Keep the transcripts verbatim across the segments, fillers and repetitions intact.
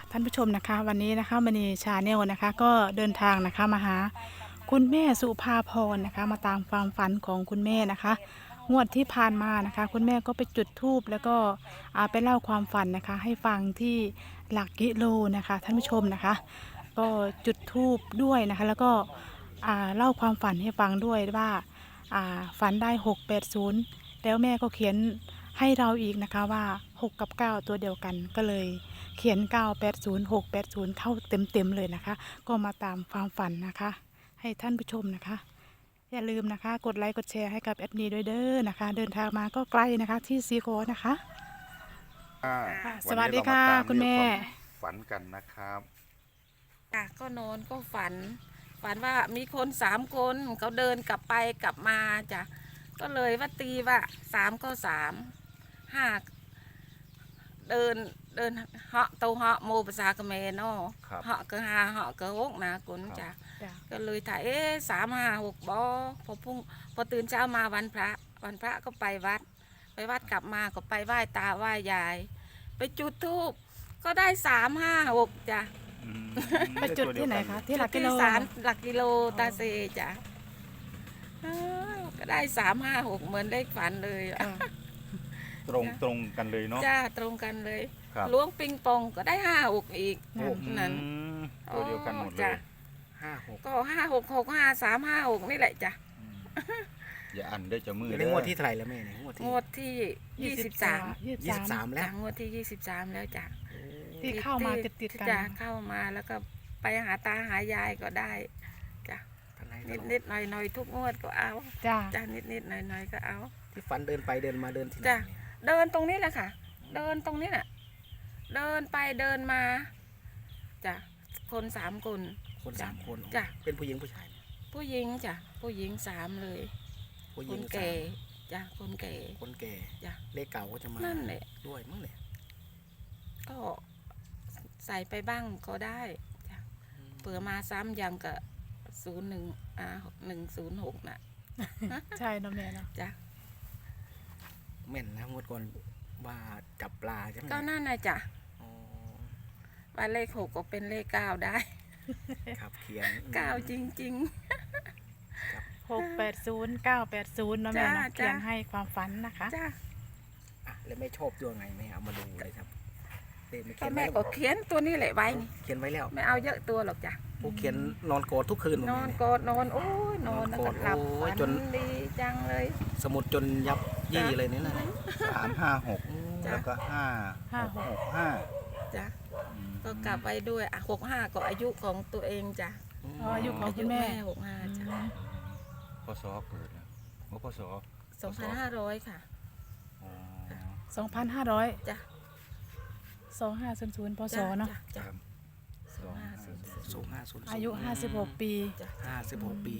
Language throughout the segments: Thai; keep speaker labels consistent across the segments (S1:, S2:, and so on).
S1: ท่านผู้ชมนะคะวันนี้นะคะมณีชาแนลนะคะก็เดินทางนะคะมาหาคุณแม่สุภาพรนะคะมาตามความฝันของคุณแม่นะคะงวดที่ผ่านมานะคะคุณแม่ก็ไปจุดธูปแล้วก็อ่าไปเล่าความฝันนะคะให้ฟังที่หลักกิโลนะคะท่านผู้ชมนะคะก็จุดธูปด้วยนะคะแล้วก็อ่าเล่าความฝันให้ฟังด้วยว่าอ่าฝันได้หกแปดศูนย์แล้วแม่ก็เขียนให้เราอีกนะคะว่าหกกับเก้าตัวเดียวกันก็เลย เขียนเก้า แปด ศูนย์ หก แปด ศูนย์เข้าเต็มๆเลยนะคะ ก็มาตามความฝันนะคะ ให้ท่านผู้ชมนะคะ อย่าลืมนะคะ กดไลค์กดแชร์ให้กับแอดมินด้วยเด้อนะคะ เดินทางมาก็ไกลนะคะที่ซีโคนะคะ
S2: อ่า
S1: ค่ะ
S2: น
S1: สวัสดี
S2: นี้เรา
S1: ค่ะ
S2: มาตาม
S1: คุณแม่
S2: เรื่องความฝันกันนะครับ
S3: ค่ะก็นอนก็ฝัน ฝันว่ามีคนสามคนเขาเดินกลับไปกลับมาจ้ะก็เลยว่าตีว่าสามก็สามห้าเดินเดินเหาะเตาเหาะโมภาษาเขมรเนาะ
S2: ครับ
S3: เหาะก็ห้าเหาะก็หกนะกุนจ้ะ
S1: จ้ะ
S3: ก็เลยถ่ายเอ๊ะสามห้าหกบอพอพุ่งพอตื่นเช้ามาวันพระ วันพระก็ไปวัด ไปวัดกลับมาก็ไปไหว้ตาไหว้ยาย ไปจุดธูปก็ได้สามห้าหกจ้ะ
S2: อืม
S1: ไปจุดที่ไหนคะที่หลักกิโล
S3: ที่ศาลหลักกิโลตาเซจ้ะอ้าวก็ได้สามห้าหกเหมือนเลขฝันเลยอะ
S1: ค่ะ
S2: ตรงตรงกันเลยเนาะ
S3: จ้าตรงกันเลย
S2: ครับ
S3: ล้วงปิงปองก็ได้ห้าหกอีก
S1: นั่น
S3: นั่น
S2: อืมตัวเดียวกันหมดเล
S3: จ้ะ
S2: ย
S4: ห้าหก
S3: ก็ห้าหกหกห้าสามห้าหกนี่แหละจ้ะ
S2: อืมอย่าอันได้จะมือ
S4: ใน
S2: เด้
S4: ง
S2: อ
S4: วดที่เท่าไหร่แล้วแม่เนี่ยงวดที่
S3: งวดที่ยี่สิบสาม
S1: ยี่
S4: ยี่
S1: สิ
S4: สิ
S1: บบ สา
S4: สาม มแล้ว
S3: จ้ะงวดที่ยี่สิบสามแล้วจ้ะ
S1: ที่เข้ามาติดๆกัน
S3: จ้ะเข้ามาแล้วก็ไปหาตาหายายก็ได้จ้ะ
S4: ท่านไหน
S3: นิดนิดหน่อยหน่อยๆทุกงวดก็เอา
S1: จ้า
S3: จ้ะนิดนิดหน่อยหน่อยๆก็เอา
S4: ที่ฟันเดินไปเดินมาเดินที่ไหน
S3: จ้ะ
S4: เนี่ย
S3: เดินตรงนี้แหละค่ะ เดินตรงนี้น่ะ เดินไปเดินมาจ้ะคนสามคน
S4: คนสามคน
S3: จ้ะ
S4: เป็นผู้หญิงผู้ชายเนี่ย
S3: ผู้หญิงจ้ะผู้หญิงสามเลย
S4: ผู้ห
S3: ค
S4: ญิง
S3: น
S4: สา
S3: แก่
S4: ม
S3: จ้ะคนแก่
S4: คนแก่
S3: จ้ะ
S4: เลขเก่าก็จะมา
S3: นั่นแหละ
S4: ด้วยมั้งเนี่ย
S3: ก็ใส่ไปบ้างก็ได้จ้ะเผื่อมาซ้ำยังกับศูนย์หนึ่งอ่าหนึ่งศูนย์หกน่ะ
S1: ใช่เนาะแม่เนาะ
S3: จ้ะ
S4: แม่นนะงวดก่อนว่าจับปลาใช่ไหม
S3: ก็นั่นนะจ้ะ
S4: อ๋อ
S3: ว่าเลขหกก็เป็นเลขเก้าได้
S4: ครับเขียน
S3: เก้าจริง
S1: หกแปดศูนย์เก้าแปดศูนย์เนาะแม่เนาะ
S3: จ้า
S1: เขียนให้ความฝันนะคะ
S3: ๆจ้ะ
S4: อ่ะแล้วแม่ชอบตัวไงแม่เอามาดูเลยครับเลขไม่
S3: ก็
S4: เขียน
S3: แม่
S4: ไว้
S3: ก็เขียนตัวนี้แหละไว้นี่
S4: เขียนไว้แล้ว
S3: ไม่เอาเยอะตัวหรอกจ้ะ
S4: ผู้เขียนนอนกอดทุกคืน
S3: นอน
S4: เนี่ย
S3: กอดนอนโอ้ยนอนแล้วก็หลับ
S4: โอ้
S3: ฝั
S4: ย
S3: น
S4: จน
S3: ดีจังเลย
S4: สมุดจนยับยี่เลยเนี่ยนะ
S2: สามห้าหก
S3: จ้ะ
S2: แล้วก็ห้า
S1: ห้าหก
S2: หกห้า
S3: จ้ะ
S2: อืม
S3: ก็กลับไปด้วยอ่ะหกห้าก็อายุของตัวเองจ้ะ
S1: อ๋ออายุของคุณแม่
S3: หกห้าจ้ะ
S2: พศเกิดนะโอ้พศ
S3: สองพันห้าร้อยค่ะ
S2: อ๋อ
S1: สองพันห้าร้อย
S3: จ้ะ
S1: สองห้าศูนย์ศูนย์พศเนาะ
S3: จ้
S2: ค
S3: จ้ะ
S2: รับ
S3: สองห้าศูนย์ศูนย์
S4: สูงห้าศูนย์
S1: อายุห้าสิบหกปี
S3: จ้ะ
S4: ห้าสิบหกปี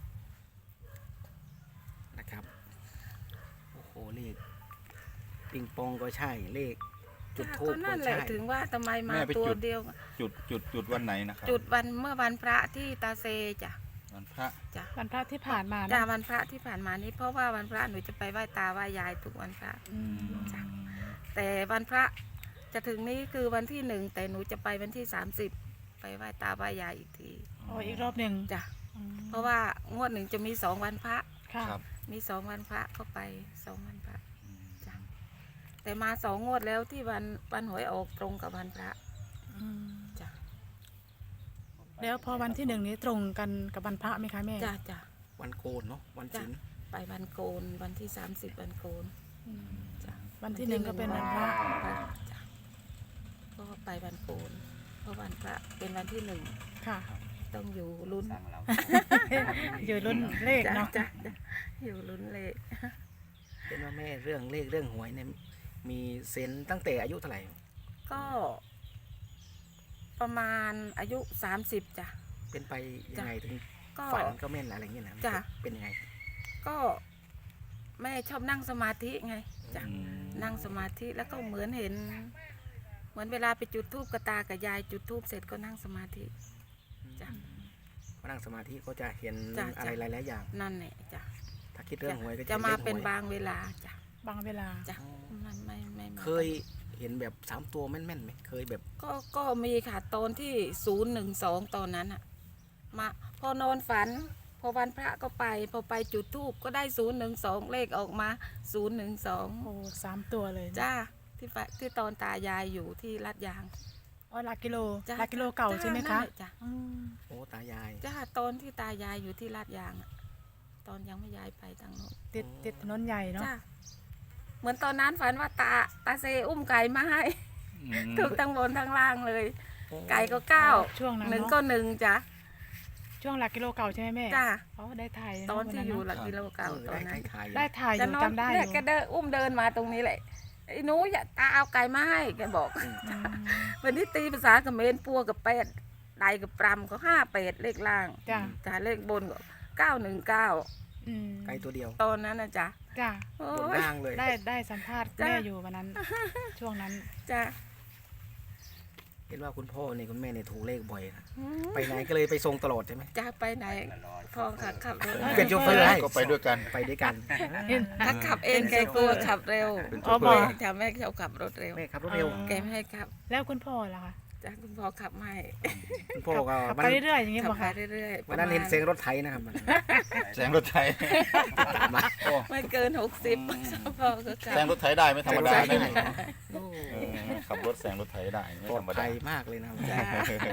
S4: นะครับโอ้โหเลขปิงปองก็ใช่เลขจุด
S3: จ้ะ
S4: ทู
S3: ก็
S4: บ
S3: นั่
S4: ก็
S3: นแหละ
S4: ใช่
S3: ถึงว่าทำไมมา
S2: แม่ไป
S3: ตัว
S2: จุด
S3: เดียว
S2: จุดจุดจุดวันไหนนะครับ
S3: จุดวันเมื่อวันพระที่ตาเซจ้ะ
S2: วันพระ
S3: จ้ะ
S1: วันพระที่ผ่านมา
S3: จ้ะ
S1: เนาะ
S3: วันพระที่ผ่านมานี้เพราะว่าวันพระหนูจะไปไหว้ตาไหว้ยายทุกวันพระ
S1: อืม
S3: จ้ะ แต่วันพระจะถึงนี้คือวันที่หนึ่งแต่หนูจะไปวันที่สามสิบไปไหว้ตาไหว้ยายอีกที
S1: โอ้อีกรอบหนึ่ง
S3: จ้ะ
S1: อืม
S3: เพราะว่างวดหนึ่งจะมีสองวันพระ
S1: ค่ะ
S2: ครับ
S3: มีสองวันพระเข้าไปสองวันพระ
S2: อืม
S3: จ้ะ แต่มาสองงวดแล้วที่วันวันหวยออกตรงกับวันพระ
S1: อืม
S3: จ้ะ
S1: แล้วพอวันที่หนึ่งนี้ตรงกันกับวันพระไหมคะแม่
S3: จ้ะจ้ะ
S4: วันโกนเนาะวันศีล
S3: ไปวันโกนวันที่สามสิบวันโกน
S1: อืม
S3: จ้ะ
S1: วันที่หนึ่งก็เป็นวันพระ
S3: จ้ะก็ไปวันโกนเพราะวันพระเป็นวันที่หนึ่ง
S1: ค่ะ
S3: ต้องอยู่ลุ้น
S1: อยู่รุ่นเลข
S3: จ้ะ
S1: เนาะ
S3: จ้ะจ้ะอยู่ลุ้นเลข
S4: เป็นว่าแม่เรื่องเลขเรื่องหวยเนี่ยมีเซนส์ตั้งแต่อายุเท่าไหร่
S3: ก็ประมาณอายุสามสิบจ้ะ
S4: เป็นไปยังไงถึง
S3: ก็
S4: ฝันก็แม่นอะไรเงี้ยนะ
S3: จ้ะ
S4: เป็นยังไง
S3: ก็แม่ชอบนั่งสมาธิไงจ้ะ
S2: อืม
S3: นั่งสมาธิแล้วก็เหมือนเห็น เหมือนเวลาไปจุดธูปกระตากับยายจุดธูปเสร็จก็นั่งสมาธิจ้ะ
S4: พอนั่งสมาธิก็จะเห็น
S3: จ้ะ
S4: อะไรหลายๆอย่าง
S3: นั่นแหละจ้ะ
S4: ถ้าคิดเรื่องหวยก็
S3: จะมา
S4: ห็ลข
S3: เป็น
S4: หวย
S3: บางเวลาจ้ะ
S1: บางเวลา
S3: จ้ะมันไม่ไม่ไม่
S4: เคยเห็นแบบสามตัวแม่นๆไหมเคยแบบ
S3: ก็ก็มีค่ะตอนที่ศูนย์หนึ่งสองตอนนั้นอะมาพอนอนฝัน พอวันพระก็ไป พอไปจุดธูปก็ได้ศูนย์หนึ่งสองเลขออกมาศูนย์หนึ่งสอง
S1: โอ้สามตัวเลยนะ
S3: จ้าที่ฝที่ตอนตายายอยู่ที่ลาดยาง
S1: อ๋อหลักกิโล
S3: จ้า
S1: หลักกิโลเก่าใช่ไหม
S3: นั่
S1: คะ
S3: นแหลจ้ะ
S1: อืม
S4: โอ้ตายาย
S3: จ้าตอนที่ตายายอยู่ที่ลาดยางอะตอนยังไม่ย้ายไปทางโน้น
S1: ติดติดถนนใหญ่เนาะ
S3: จ้าเหมือนตอนนั้นฝันว่าตาตาเซอุ้มไก่มาให้
S2: อืม
S3: ถูกทั้งบนทั้งล่างเลย ไก่ก็เก้า
S1: ช่วงนั้น
S3: หนึ่ง
S1: เนาะ
S3: ก็หนึ่งจ้ะ
S1: ช่วงหลักกิโลเก่าใช่ไหมแม่
S3: จ้า
S1: อ๋อได้ถ่าย
S3: ตอนที่อยู่ห
S1: วั
S3: ลักกิโลเก่า
S4: เออ
S3: ตอ
S4: ได้
S3: นนั้น
S4: ถ่ายๆ
S1: ได้ถ่ายอ
S3: จะ
S1: ยู่
S3: นอน
S1: จำได้อ
S3: เนี่ย
S1: ยู่
S3: แกเดินอุ้มเดินมาตรงนี้แหละไอ้หนูอย่าตาเอาไก่มาให้แกบอก
S1: อืม
S3: วันนี้ตีภาษาเขมรปัวกับเป็ดไดกับปรำก็ห้าเป็ดเลขล่าง
S1: จ้า
S3: จ้าเลขบนก็เก้าหนึ่งเก้า
S1: อืม
S4: ไก่ตัวเดียว
S3: ตอนนั้นนะจ้ะ
S1: จ้า
S3: โอ้
S4: บน
S3: ย
S4: ล่างเลย
S1: ได้ได้สัมภาษณ์
S3: จ้ะ
S1: แม่อยู่วันนั้น ช่วงนั้น
S3: จ้ะ
S4: เห็นว่าคุณพ่อเนี่ยคุณแม่เนี่ยถูกเลขบ่อยนะ
S3: อืม
S4: ไปไหนก็เลยไปส่งตลอดใช่ไหม
S3: จ้าไปไหนพ่อขับขับรถ
S4: เป็นโชเฟอร์ให้
S2: ก็ไปด้วยกัน
S4: ไปด้วยกัน
S1: เห็น
S3: ถ้าขับเองแกกลัวขับเร็ว
S2: เป็นโช
S1: อ๋อ
S2: เฟ
S1: บ
S2: อ
S1: อก
S2: ร์
S3: จ้าแม่ชอบขับรถเร็ว
S4: แม่ขับรถเร็ว
S1: อ๋อ
S3: แกไม่ให้ขับ
S1: แล้วคุณพ่อล่ะคะ
S3: จ้าคุณพ่อขับไม่
S4: คุณพ่อก็
S1: ขับ
S4: วัน
S1: ไปเรื่อยๆอย่างนี้
S3: ขั
S1: บอก
S3: ไป
S1: ค่ะ
S3: เรื่อยๆ
S4: วันนั้นเห็น
S3: ประมาณ
S4: เสียงรถไถนะครับมัน
S2: แซงรถไถ
S4: ตามมา
S2: โอ้
S3: ไม่เกินหกสิบพ่อก็ขับ
S2: แซงรถไถได้ไม่ธรรมดา
S4: แซงรถไถ
S2: ไม่
S4: ได้
S2: เออขับรถแซงรถไถได้ไม่
S4: ปลอ
S2: ธ
S4: ด
S2: รรม
S4: ภั
S2: ดาย
S4: มากเลยนะครับ
S3: จ้า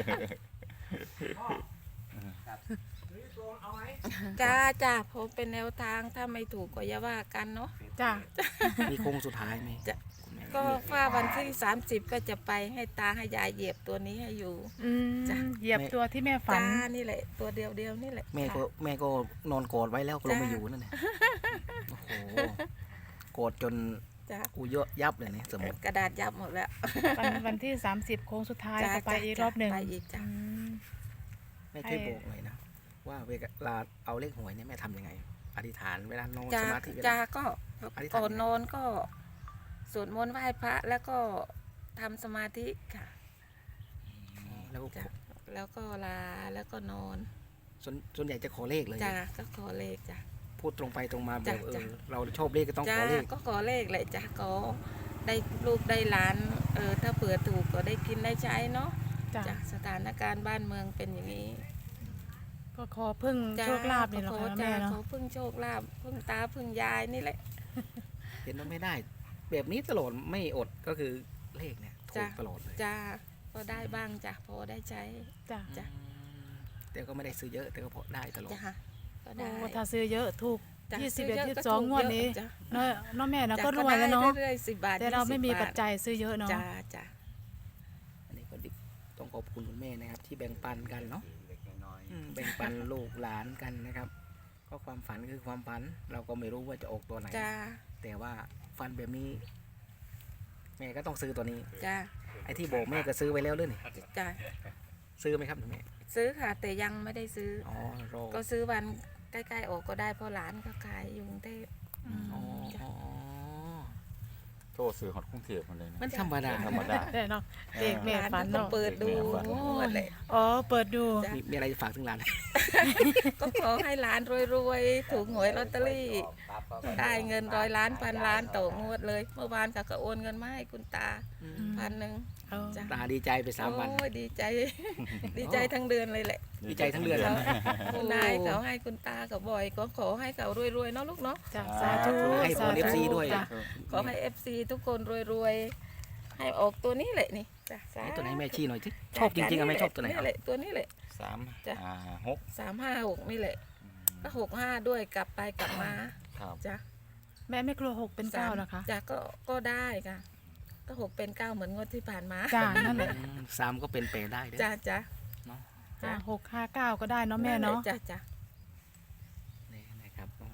S3: จ้าจ้าผมเป็นแนวทางถ้าไม่ถูกก็อย่าว่ากันเนาะ
S1: จ้า
S4: มีโค้งสุดท้ายไหม
S3: จะ
S4: คุณแม่
S3: ก็ว่าวันที่สามสิบก็จะไปให้ตาให้ยายเหยียบตัวนี้ให้อยู่
S1: อืม
S3: จ้ะ
S1: เหยียบตัวที่แม่ฝัน
S3: จ้านี่แหละ ตัวเดียวเดียวๆนี่แหละ
S4: แม่ก็แม่ก็นอนกอดไว้แล้วก็ลงมาอยู่นั่นแหละโอ้โหกอดจน
S3: จ้า
S4: กูเยอะยับเลยเนี่ยสมมติ
S3: กระดาษยับหมดแล้ว
S1: วันวันที่สามสิบโค้งสุดท้าย
S3: จ้ะ
S1: จะไป
S3: จ้ะ
S1: อีก
S3: จ้ะ
S1: รอบหนึ่ง
S3: ไปอีกจ้ะ
S1: อืม
S4: แม่ช่วยบอกหน่อยนะว่าเวลาเอาเลขหวยเนี่ยแม่ทำยังไง อธิษฐานเวลานอน
S3: จ้า
S4: สมาธิเว
S3: จ้า
S4: ลา
S3: ก็
S4: อธิษฐาน
S3: ก่อนนอนก็สวดมนต์ไหว้พระแล้วก็ทำสมาธิค่ะ
S4: แล้วก็
S3: จ้ะแล้วก็ลาแล้วก็นอน
S4: ส่วนส่วนใหญ่จะขอเลขเลย
S3: จ้าก็ขอเลขจ้ะ
S4: พูดตรงไปตรงมาแบ
S3: จ้ะ
S4: บเอ
S3: จ้ะ
S4: อเราชอบเลขก็ต้อง
S3: จ้า
S4: ขอเลข
S3: ก็ขอเลขแหละจ้าก็ได้ลูกได้หลานเออถ้าเผื่อถูกก็ได้กินได้ใช้เนาะ
S1: จ้า
S3: จ้ะสถานการณ์บ้านเมืองเป็นอย่างนี้
S1: ก็ขอพึ่ง
S3: จ้ะ
S1: โชคลาภนี่แหละ
S3: ขอ
S1: ค่ะ
S3: จ้ะ
S1: แม่เนาะ
S3: ขอพึ่งโชคลาภพึ่งตาพึ่งยายนี่แหละ
S4: เห็นว่าไม่ได้ แบบนี้ตลอดไม่อดก็คือเลขเนี่ยถู
S3: จ้ะ
S4: กตลอดเลย
S3: จ้าก็ได้บ้างจ้ะพอได้ใช้
S1: จ้า
S3: จ้ะ
S4: อืมแต่ก็ไม่ได้ซื้อเยอะแต่ก็พอได้ตลอด
S3: จ้ะก็
S1: โอ้
S3: ได้
S1: ถ้าซื้อเยอะถูก
S3: จ้ะ
S1: ยี่สิบ
S3: ซื้
S1: เอ็ด
S3: ยะ
S1: ยี่สิบ
S3: ก็
S1: สอง
S3: ถูก
S1: งวดนี้
S3: เยอะจ้ะ
S1: เนาะเนาะแม่เนาะ
S3: จ้ะ
S1: ก็รวยแล้วเนาะ
S3: ได้เรื่อยๆสิบบาท
S1: แต่เราไม่มี
S3: ยี่สิบบ
S1: ปัจจัยซื้อเยอะเนาะ
S3: จ้าจ้ะ
S4: อันนี้ก็ดิต้องขอบคุณคุณแม่นะครับ ที่แบ่งปันกันเนาะอืมแบ่งปันลูกหลานกันนะครับ ก็ความฝันคือความฝัน เราก็ไม่รู้ว่าจะออกตัวไหน
S3: จ้า
S4: แต่ว่าฝันแบบนี้ แม่ก็ต้องซื้อตัวนี้
S3: จ้า
S4: ไอ้ที่บอกแม่ก็ซื้อไว้แล้วด้วยนี่
S3: จ้า
S4: ซื้อไหมครับแม่
S3: ซื้อค่ะ แต่ยังไม่ได้ซื้อ
S4: อ๋อรอ
S3: ก็ซื้อวันใกล้ๆออกก็ได้เพราะหลานก็ขายอยู่กรุงเทพ
S1: อืม
S4: อ๋ออ๋อ
S2: โทษสื่อฮอตกรุงเทพมาเลยนะ
S4: มันธรรมดา
S2: ธรรมดา
S1: แต่เนาะเด็กแม่ฝัน
S3: หลานก็
S1: เนาะ
S3: เปิดดู
S2: เด็กแม่ฝัน
S3: หมดเลย
S1: อ๋อเปิดดู
S3: จ้ะ
S4: มีมีอะไรจะฝากถึงหลาน
S3: ก็ขอให้หลานรวยๆ ถูกหวยลอตเตอรี่ ได้เงินร้อยล้านพันล้านต่องวดเลย เมื่อวานเขาก็โอนเงินมาให้คุณตา
S1: ม
S3: พันหนึ่ง
S1: เอา
S3: จ้ะ
S4: ตาดีใจไปสามวัน
S3: โอ้ยดีใจ ดีใจทั้งเดือนเลยแหละ
S4: ดีใจทั้งเดือน
S3: เขา
S4: นะ
S3: คุณนายเขาให้คุณตาเขาบ่อย ก็ขอให้เขารวยๆเนาะลูกเนาะ
S1: จ้ะสาธุ
S4: ให้พร เอฟ ซีด้วย
S1: จ้ะ
S3: ขอให้เอฟซีทุกคนรวยๆ ให้ออกตัวนี้แหละนี่จ้ะสา
S4: ไหน
S3: ธุ
S4: ตัวไหนแม่ชี้หน่อยสิชอบจริงๆอะแม่ชอบตัวไหน
S3: นี่แหละตัวนี้แหละ
S2: สาม
S3: จ้ะ
S2: อ่าหก
S3: สามห้าหกนี่แหละก็หกห้าด้วยกลับไปกลับมา
S2: ครับ
S3: จ้ะ
S1: แม่ไม่กลัวหกเป็นเก้าเหรอคะ
S3: จ้ะก็ก็ได้ค่ะ ก็หกเป็นเก้าเหมือนงวดที่ผ่านมา
S1: จ้านั่นแหละ
S4: อืมสามก็เป็นแปลได้เด้อ
S3: จ้ะจ้ะ
S4: เนาะ
S1: ห้าหกห้าเก้าก็ได้เนาะแม่เนาะ
S3: จ้ะจ้ะ
S4: นี่นะครับอ๋อ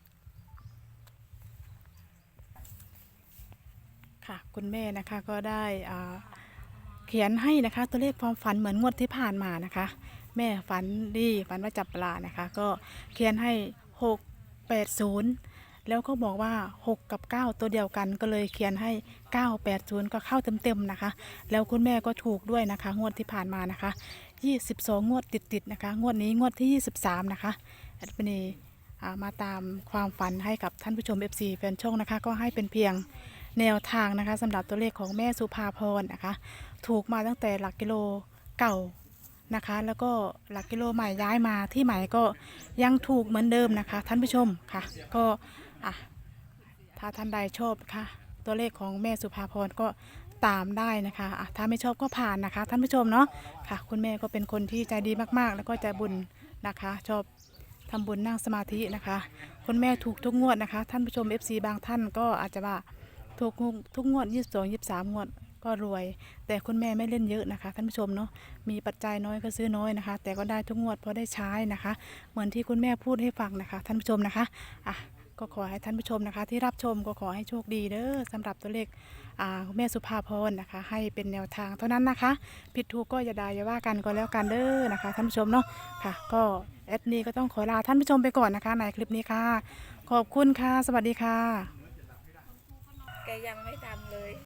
S1: ค่ะ คุณแม่นะคะก็ได้อ่าเขียนให้นะคะตัวเลขความฝันเหมือนงวดที่ผ่านมานะคะ แม่ฝันดีฝันว่าจับปลานะคะ ก็เขียนให้หกแปดศูนย์แล้วก็บอกว่าหกกับเก้าตัวเดียวกันก็เลยเขียนให้เก้าแปดศูนย์ก็เข้าเต็มๆนะคะ แล้วคุณแม่ก็ถูกด้วยนะคะ งวดที่ผ่านมานะคะยี่สิบสองงวดติดๆนะคะ งวดนี้งวดที่ยี่สิบสามนะคะแอดมินีอ่ามาตามความฝันให้กับท่านผู้ชม เอฟ ซี แฟนช่องนะคะ ก็ให้เป็นเพียงแนวทางนะคะสำหรับตัวเลขของแม่สุภาพรนะคะ ถูกมาตั้งแต่หลักกิโลเก่านะคะ แล้วก็หลักกิโลใหม่ย้ายมาที่ใหม่ก็ยังถูกเหมือนเดิมนะคะ ท่านผู้ชมค่ะก็อ่ะถ้าท่านใดชอบค่ะตัวเลขของแม่สุภาพรก็ตามได้นะคะอ่ะถ้าไม่ชอบก็ผ่านนะคะ ท่านผู้ชมเนาะค่ะ คุณแม่ก็เป็นคนที่ใจดีมากๆ แล้วก็ใจบุญนะคะ ชอบทำบุญนั่งสมาธินะคะ คุณแม่ถูกทุกงวดนะคะ ท่านผู้ชม เอฟ ซี บางท่านก็อาจจะว่าถูกทุกงวดยี่สิบสอง ยี่สิบสามงวดก็รวย แต่คุณแม่ไม่เล่นเยอะนะคะท่านผู้ชมเนาะมีปัจจัยน้อยก็ซื้อน้อยนะคะ แต่ก็ได้ทุกงวดพอได้ใช้นะคะ เหมือนที่คุณแม่พูดให้ฟังนะคะ ท่านผู้ชมนะคะอ่ะก็ขอให้ท่านผู้ชมนะคะ ที่รับชมก็ขอให้โชคดีเด้อสำหรับตัวเลขอ่าแม่สุภาพรนะคะ ให้เป็นแนวทางเท่านั้นนะคะ ผิดถูกก็อย่าด่าอย่าว่ากันก็แล้วกันเด้อนะคะท่านผู้ชมเนาะค่ะก็แอดนี้ก็ต้องขอลาท่านผู้ชมไปก่อนนะคะในคลิปนี้ค่ะ ขอบคุณค่ะ สวัสดีค่ะ
S3: แกยังไม่ท